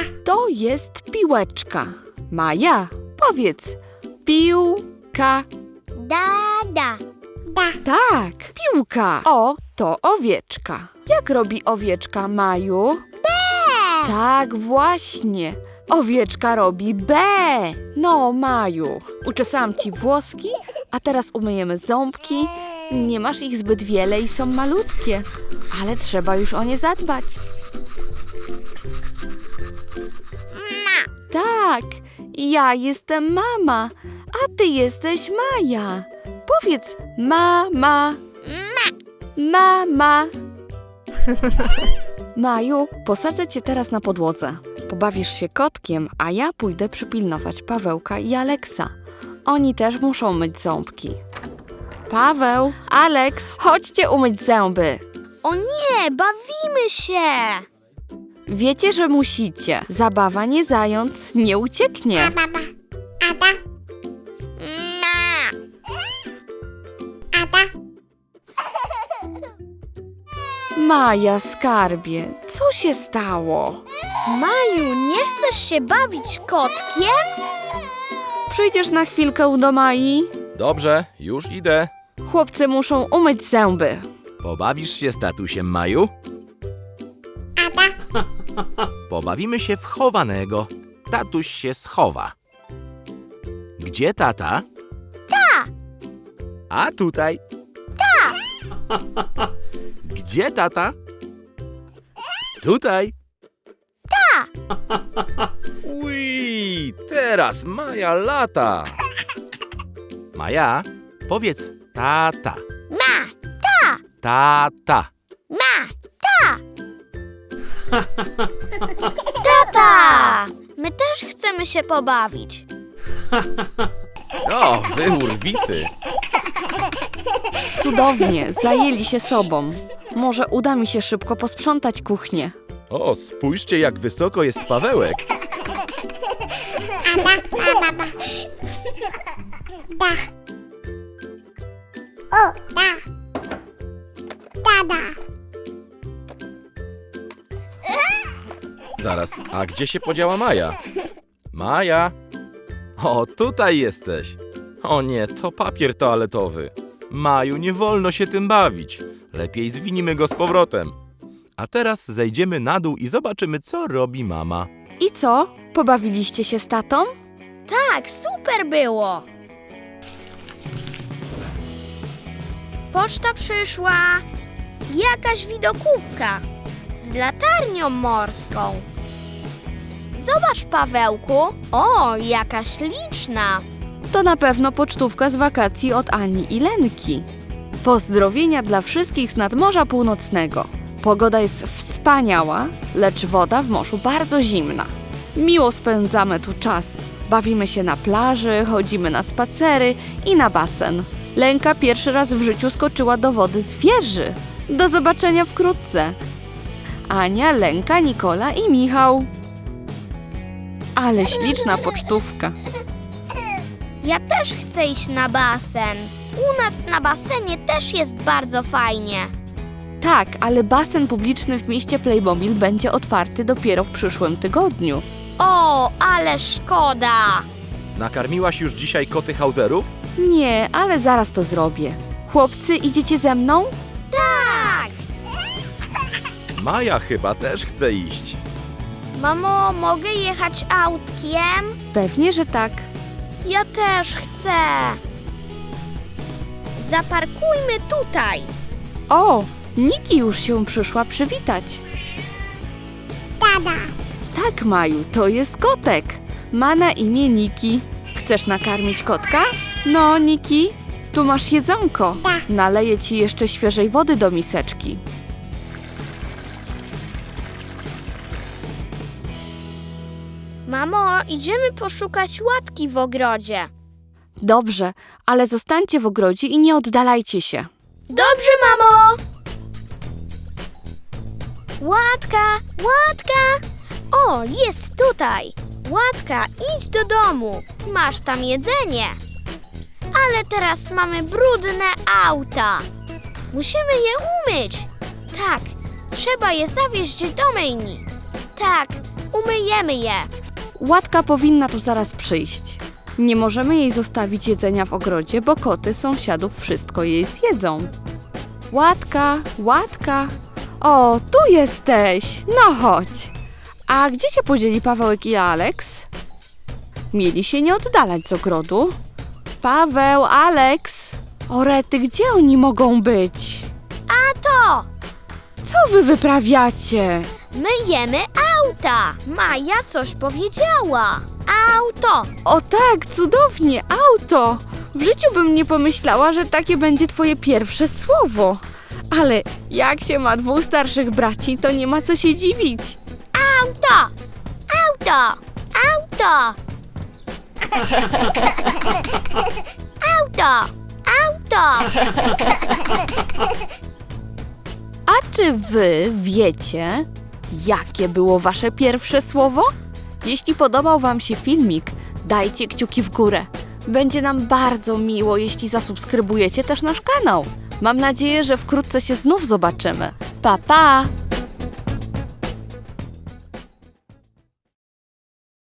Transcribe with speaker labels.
Speaker 1: To jest piłeczka. Maja, powiedz. Piłka.
Speaker 2: Da.
Speaker 1: Tak, piłka. O, to owieczka. Jak robi owieczka, Maju? Tak, właśnie. Owieczka robi B. No, Maju, uczesałam ci włoski, a teraz umyjemy ząbki. Nie masz ich zbyt wiele i są malutkie, ale trzeba już o nie zadbać. Tak, ja jestem mama, a ty jesteś Maja. Powiedz mama. Mama. Maju, posadzę cię teraz na podłodze. Pobawisz się kotkiem, a ja pójdę przypilnować Pawełka i Aleksa. Oni też muszą myć ząbki. Paweł, Aleks, chodźcie umyć zęby.
Speaker 2: O nie, bawimy się!
Speaker 1: Wiecie, że musicie. Zabawa nie zając, nie ucieknie. Maja, skarbie, co się stało?
Speaker 2: Maju, nie chcesz się bawić kotkiem?
Speaker 1: Przyjdziesz na chwilkę do Mai?
Speaker 3: Dobrze, już idę.
Speaker 1: Chłopcy muszą umyć zęby.
Speaker 3: Pobawisz się z tatusiem, Maju? Pobawimy się w chowanego. Tatuś się schowa. Gdzie tata? A tutaj? Gdzie tata? Tutaj? Ui, teraz Maja lata. Maja, powiedz tata. Tata.
Speaker 2: Tata! My też chcemy się pobawić.
Speaker 3: O, wy urwisy.
Speaker 1: Cudownie, zajęli się sobą. Może uda mi się szybko posprzątać kuchnię.
Speaker 3: O, spójrzcie, jak wysoko jest Pawełek. Zaraz, a gdzie się podziała Maja? Maja! O, tutaj jesteś. O nie, to papier toaletowy. Maju, nie wolno się tym bawić. Lepiej zwinimy go z powrotem. A teraz zejdziemy na dół i zobaczymy, co robi mama.
Speaker 1: I co? Pobawiliście się z tatą?
Speaker 2: Tak, super było. Poczta przyszła. Jakaś widokówka z latarnią morską. Zobacz, Pawełku. O, jaka śliczna.
Speaker 1: To na pewno pocztówka z wakacji od Ani i Lenki. Pozdrowienia dla wszystkich z nadmorza północnego. Pogoda jest wspaniała, lecz woda w morzu bardzo zimna. Miło spędzamy tu czas. Bawimy się na plaży, chodzimy na spacery i na basen. Lenka pierwszy raz w życiu skoczyła do wody z wieży. Do zobaczenia wkrótce. Ania, Lenka, Nikola i Michał. Ale śliczna pocztówka.
Speaker 2: Ja też chcę iść na basen. U nas na basenie też jest bardzo fajnie.
Speaker 1: Tak, ale basen publiczny w mieście Playmobil będzie otwarty dopiero w przyszłym tygodniu.
Speaker 2: O, ale szkoda.
Speaker 3: Nakarmiłaś już dzisiaj koty Hauserów?
Speaker 1: Nie, ale zaraz to zrobię. Chłopcy, idziecie ze mną?
Speaker 2: Tak.
Speaker 3: Maja chyba też chce iść.
Speaker 2: Mamo, mogę jechać autkiem?
Speaker 1: Pewnie, że tak.
Speaker 2: Ja też chcę. Zaparkujmy tutaj.
Speaker 1: O, Niki już się przyszła przywitać. Tak, Maju, to jest kotek. Ma na imię Niki. Chcesz nakarmić kotka? No, Niki, tu masz jedzonko. Naleję ci jeszcze świeżej wody do miseczki.
Speaker 2: Mamo, idziemy poszukać łatki w ogrodzie.
Speaker 1: Dobrze, ale zostańcie w ogrodzie i nie oddalajcie się.
Speaker 2: Dobrze, mamo. Łatka, Łatka. O, jest tutaj. Łatka, idź do domu. Masz tam jedzenie. Ale teraz mamy brudne auta. Musimy je umyć. Tak, trzeba je zawieźć do myjni. Tak, Umyjemy je.
Speaker 1: Łatka powinna tu zaraz przyjść. Nie możemy jej zostawić jedzenia w ogrodzie, bo koty sąsiadów wszystko jej zjedzą. Łatka, Łatka. O, tu jesteś. No chodź. A gdzie się podzieli Pawełek i Aleks? Mieli się nie oddalać z ogrodu. Paweł, Aleks. O rety, gdzie oni mogą być?
Speaker 2: A to!
Speaker 1: Co wy wyprawiacie?
Speaker 2: Myjemy auta. Maja coś powiedziała. Auto.
Speaker 1: O tak, cudownie, auto! W życiu bym nie pomyślała, że takie będzie twoje pierwsze słowo. Ale jak się ma 2 starszych braci, to nie ma co się dziwić.
Speaker 2: Auto. Auto. Auto. Auto. Auto.
Speaker 1: A czy wy wiecie, jakie było wasze pierwsze słowo? Jeśli podobał wam się filmik, dajcie kciuki w górę. Będzie nam bardzo miło, jeśli zasubskrybujecie też nasz kanał. Mam nadzieję, że wkrótce się znów zobaczymy. Pa, pa!